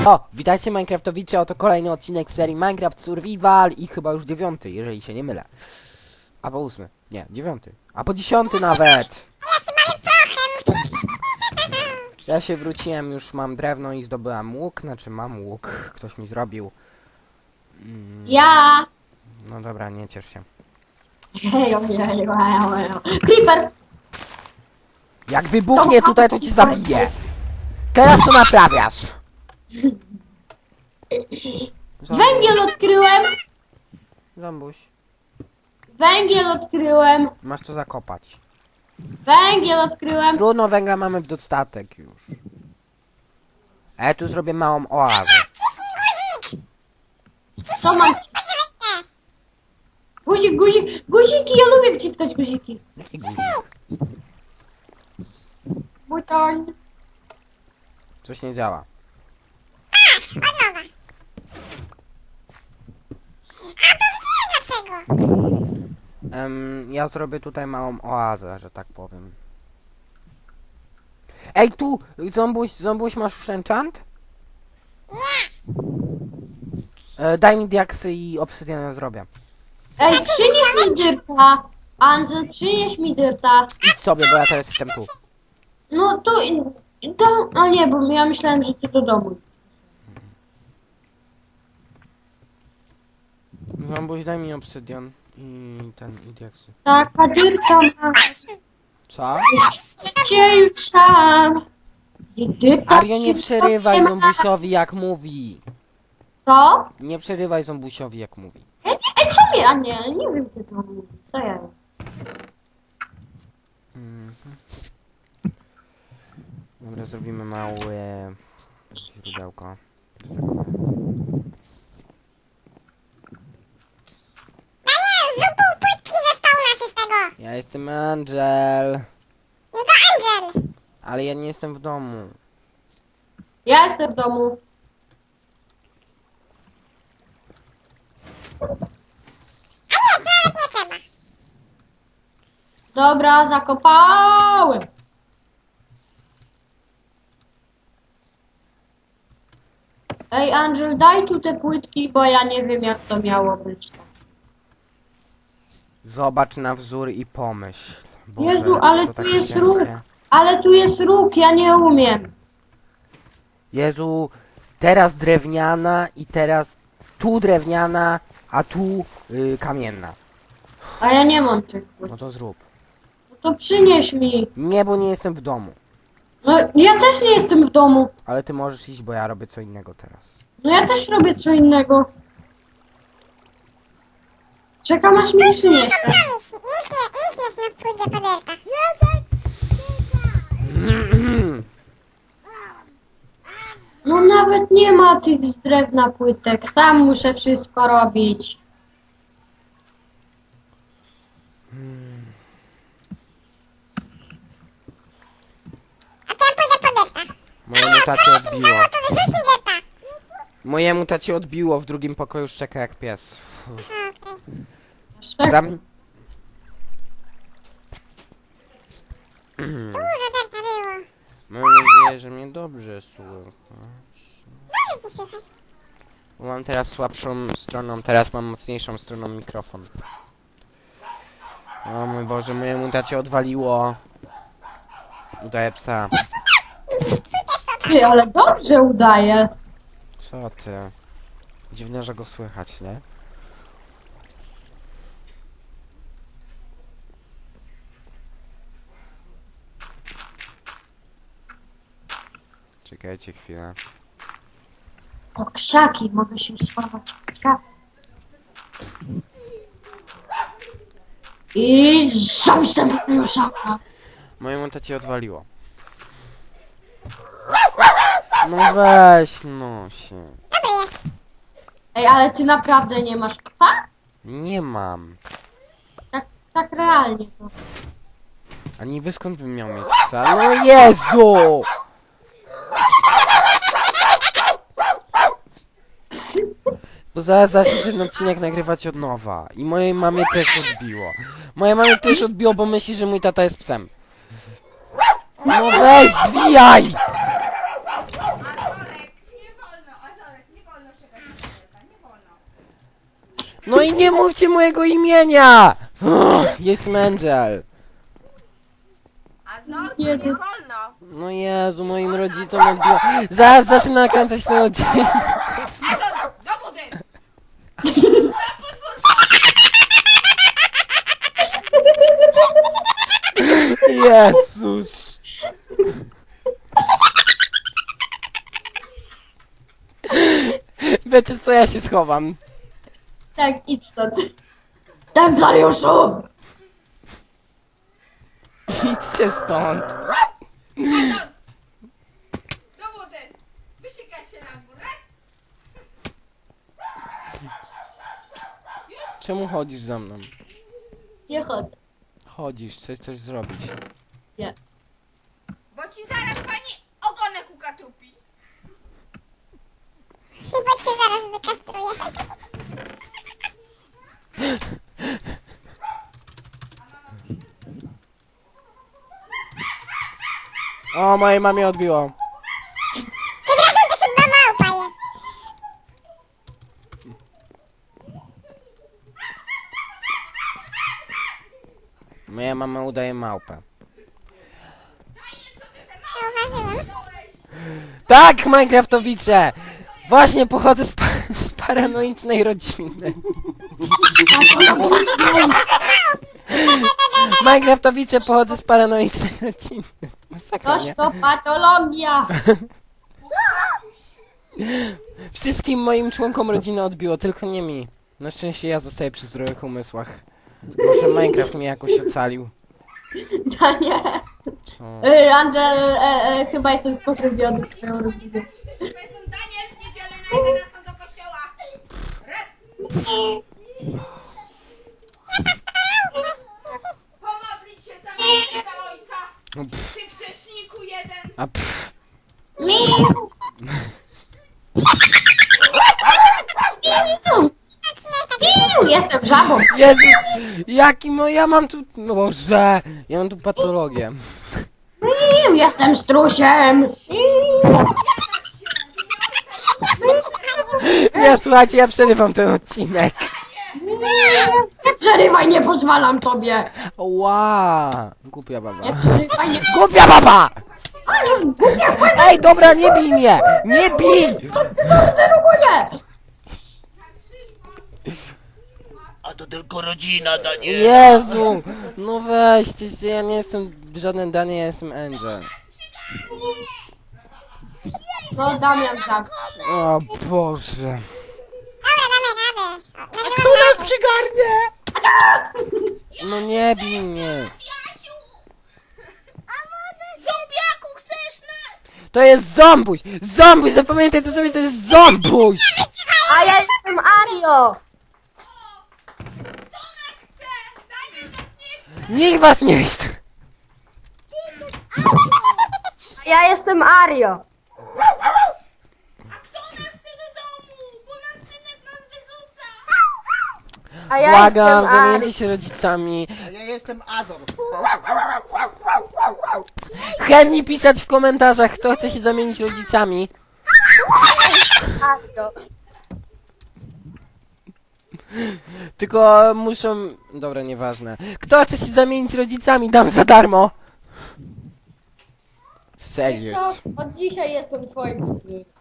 O, witajcie Minecraftowicze, oto kolejny odcinek serii Minecraft Survival i chyba już 9, jeżeli się nie mylę. A po 8, nie, 9, a po 10 nawet. Ja się wróciłem, już mam drewno i zdobyłem łuk, znaczy mam łuk, ktoś mi zrobił. Ja! No dobra, nie ciesz się. Creeper! Jak wybuchnie tutaj, to cię zabiję. Teraz to naprawiasz. Węgiel odkryłem! Zombuś, Węgiel odkryłem! masz to zakopać. Węgiel odkryłem! Trudno, węgla mamy w dostatek już. A ja tu zrobię małą oazę. Co mam? Guzik, guzik! Guziki! Ja lubię wciskać guziki! Jaki guzik? Buton! Coś nie działa. Ja zrobię tutaj małą oazę, że tak powiem. Ej, tu! Zombuś, masz już enchant? Daj mi diaksy i obsydian zrobię. Ej, przynieś mi dyrta! Andrzej, przynieś mi dyrta! Idź sobie, bo ja teraz jestem tu. No tu... A nie, bo ja myślałem, że ty do domu. Zombuś, daj mi obsydian i i diaksy. Taka dyrka ma... Co? Gdzie już tam? Dyrka Ario, nie przerywaj zombusiowi jak mówi. Co? Nie przerywaj zombusiowi jak mówi. Ej, co mi? A nie wiem, co to mówi. Co ja wiem? Dobra, zrobimy małe źródełko. Ja jestem Angel. No to Angel. Ale ja nie jestem w domu. Ja jestem w domu. A nie, to nie trzeba. Dobra, zakopałem. Ej, Angel, daj tu te płytki, bo ja nie wiem, jak to miało być. Zobacz na wzór i pomyśl. Boże, Jezu, co ale to tu takie jest ciężkie. róg. Ale tu jest róg, ja nie umiem. Jezu, teraz drewniana i teraz tu drewniana, a tu kamienna. A ja nie mam tych płyt. No to zrób. No to przynieś mi. Nie, bo nie jestem w domu. No, ja też nie jestem w domu. Ale ty możesz iść, bo ja robię co innego teraz. No ja też robię co innego. Czekam, aż mi przyniesie. Nikt nie pójdzie po delta. No nawet nie ma tych z drewna płytek. Sam muszę wszystko robić. A to ja pójdę po delta. Mojemu tacie odbiło. To wyrzuć mi delta. Mojemu tacie odbiło, w drugim pokoju szczeka jak pies. Czekaj. Zam... Dużo delta było. Mam nadzieję, że mnie dobrze słychać. Dobrze ci słychać. Bo mam teraz słabszą stroną, teraz mam mocniejszą stroną mikrofon. O mój Boże, mojemu tacie odwaliło. Udaje psa. Ty, ale dobrze udaje. Co ty? Dziwne, że go słychać, nie? Czekajcie chwilę. O, krzaki, mogę się schować w krzaki. I zamknę pluszaka. Mojemu tacie odwaliło. No weź, no się. Dobry jest. Ej, ale ty naprawdę nie masz psa? Nie mam. Tak realnie to. A niby skąd bym miał mieć psa? No Jezu! Bo zaraz zacznę ten odcinek nagrywać od nowa. I mojej mamie też odbiło. Mojej mamie też odbiło, bo myśli, że mój tata jest psem. No weź, zwijaj! No i nie mówcie mojego imienia! Jest Angel. A Zorku Nie, nie to- wolno. No Jezu, moim rodzicom odbiło. Zaraz zacznę nakręcać ten odcinek. A Zorku, do budynku. Jezus. Wiecie co, ja się schowam. Tak, idź stąd. Templariuszu! Idźcie stąd. Do budynku. Wysikać się na górę. Czemu chodzisz za mną? Nie chodzę. Chodzisz, chcesz coś zrobić. Nie. Bo ci zaraz pani ogonek ukatrupi. Chyba cię zaraz wykastruję. O, mojej mamie odbiło. Przepraszam, to chyba małpa jest. Moja mama udaje małpę. Zauważyłem. Tak, Minecraftowicze! Właśnie pochodzę z paranoicznej rodziny. Minecraftowicze pochodzę z paranoicznej rodziny. Masakra, Toż nie? to patologia! Wszystkim moim członkom rodziny odbiło, tylko nie mi. Na szczęście ja zostaję przy zdrowych umysłach. Może Minecraft mnie jakoś ocalił. Danie. Co? Angel, chyba jestem spokrewniony z twoją rodziną. Wszyscy ci powiedzą, Daniel, w niedzielę na 11 do kościoła. Raz. Pomodlić się za mnie i za ojca. No, pff, Ty grzeszniku jeden. a pff. Jestem żabą. Jezus! Ja mam tu... No Boże! Ja mam tu patologię. Jestem strusiem. Nie, słuchajcie, ja przerywam ten odcinek. Nie przerywaj, nie pozwalam tobie. Ła! Głupia Nie baba. przerywaj, nie Głupia baba! pozwalam. Ej, dobra, nie bij mnie! Nie bij! Zerwuję. A to tylko rodzina, Daniel. Jezu! No weźcie się, ja nie jestem żaden Daniel, ja jestem Angel. No Damian tak. O Boże. Dobra, damy radę. Kto nas przygarnie? No nie bij mnie. Jasiu! A może zombiaku chcesz nas? To jest zombuś! Zombuś! Zapamiętaj to sobie, to jest zombuś! A ja jestem Ario. Kto nas chce? Daniel nas nie chce. Nikt was nie chce! A ja jestem Ario. A kto nas chce do domu? Bo nas synek nas wyrzuca. A ja Błagam, jestem Ario. zamieńcie się rodzicami. A ja jestem Azor. Chętnie pisać w komentarzach, kto chce się zamienić rodzicami. Ario. Tylko muszą... Dobra, nieważne. Kto chce się zamienić rodzicami, dam za darmo. Serious. No, od dzisiaj jestem twoim.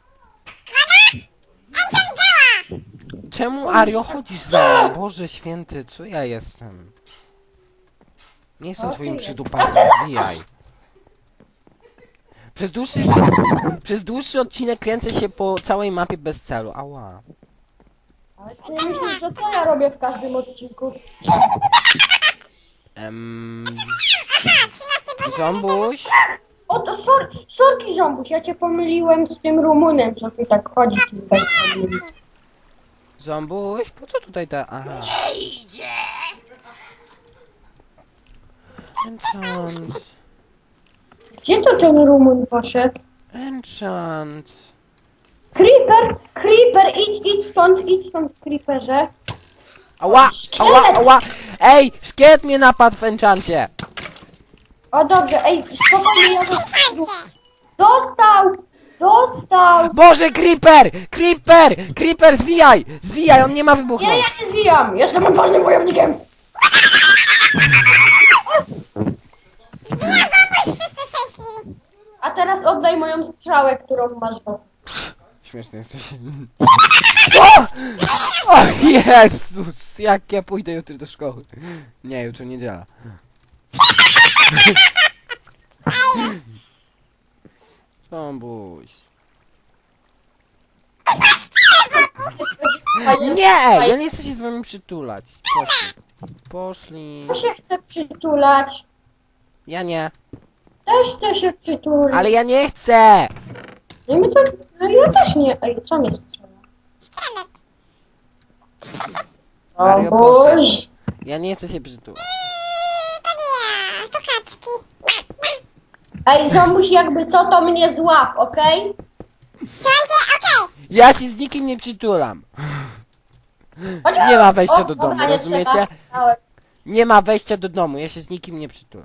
Czemu, Ario, chodzisz za mną? Boże święty, co ja jestem? Nie jestem O, twoim ty przydupasem, zwijaj. Przez dłuższy odcinek kręcę się po całej mapie bez celu. Ała. Ale ty myślisz, że co ja robię w każdym odcinku? Zombuś? O to sorki żąbuś, ja cię pomyliłem z tym Rumunem, co tu tak chodzi. Tutaj. Zombuś? Po co tutaj ta... Aha. Nie idzie. Enchant. Gdzie to ten Rumun poszedł? Enchant. Creeper, idź stąd, Creeperze. Ała, ała, ała. Ej, szkielet mnie napadł w enchancie. O dobrze, ej, spokojnie, ja to... Słuchajcie. Dostał! dostał. Boże, Creeper! Creeper! Creeper, zwijaj! Zwijaj, on nie ma Nie, wybuchnąć. ja nie zwijam. Jestem odważnym wojownikiem. Wszyscy szczęśliwi. A teraz oddaj moją strzałę, którą masz w oku. Śmieszny jesteś. Co? O Jezus! Jak ja pójdę jutro do szkoły? Nie, jutro niedziela. Zombuś. Nie! Ja nie chcę się z wami przytulać. Poszli. Poszli. Ja się chcę przytulać. Ja nie. Też chcę się przytulić. Ale ja nie chcę! No, my to, no ja też nie. Ej, co mnie strzela? Szkielet. O Mario, Boże. Ja nie chcę się przytulać. To nie ja, to kaczki. Ej, Zomuś, jakby co, to mnie złap, okej? Słuchajcie, okej. Ja się z nikim nie przytulam. Chodź. Nie ma wejścia O, do dobra, domu, nie rozumiecie? trzeba. Nie ma wejścia do domu, ja się z nikim nie przytulam.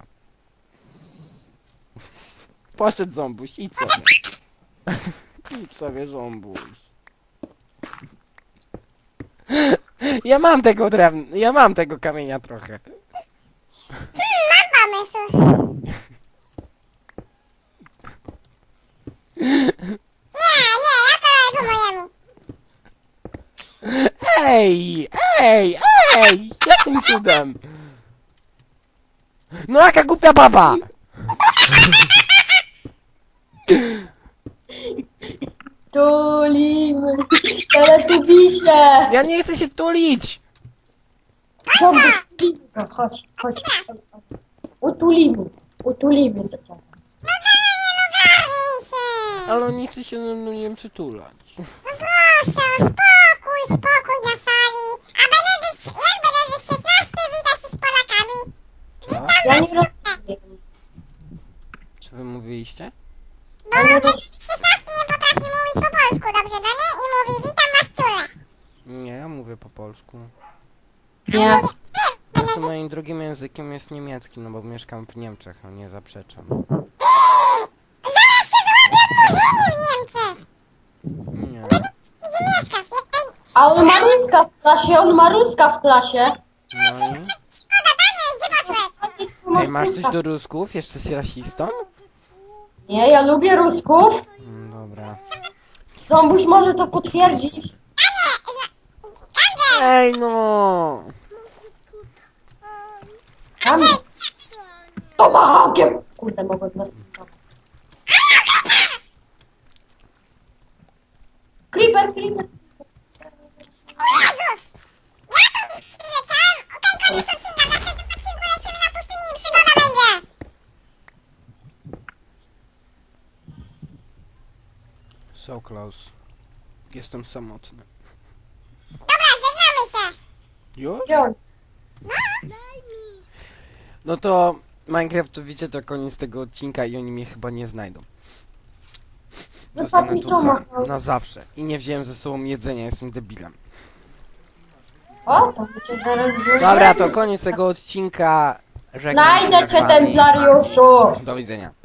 Poszedł Zombuś, idź sobie. Idź sobie, Zombuś. Ja mam tego drewna, ja mam tego kamienia trochę. Mam pomysł. Nie, ja to robię po mojemu. Ej! Jakim cudem? No jaka głupia baba! Tulimy. Teletubisie. Ja nie chcę się tulić! Zomuś, tulimy go. Chodź. Utulimy się. Ogarnij się. Ale on nie chce się ze mną nie przytulać. No proszę, spokój na sali. A Benedykt, jak Benedykt XVI wita się z Polakami? Co? Ja nie rozumiem. Co wy mówiliście? Bo Benedykt XVI nie potrafi mówić po polsku dobrze, no nie? I mówi, witam was ciule. Nie, ja mówię po polsku. Nie. Znaczy moim drugim językiem jest niemiecki, no bo mieszkam w Niemczech, no nie zaprzeczam. Zaraz się złapię w Niemczech. Nie. Gdzie mieszkasz? Ej, A on ma Ruska w klasie, No i? szkoda, Daniel, gdzie poszłeś? Ej, masz coś do Rusków? Jeszcze jesteś rasistą? Nie, ja lubię Rusków. Dobra. Zombuś może to potwierdzić. Ej no! Tam. Tomahawkiem. Kurde, mogłem zastosować. Creeper. O Jezus! Ja tu przyleciałem. Okej, koniec odcinka. W następnym odcinku lecimy na pustynię i przygoda będzie. So close. Jestem samotny. Dobra, żegnamy się. Już? Wziąć. No to Minecraftowicze to koniec tego odcinka i oni mnie chyba nie znajdą. Zostanę tu na zawsze. I nie wziąłem ze sobą jedzenia, jestem debilem. O, to będzie zaraz Dobra, to koniec tego odcinka. Żegnam się Znajdę z cię, wami. templariuszu. Do widzenia.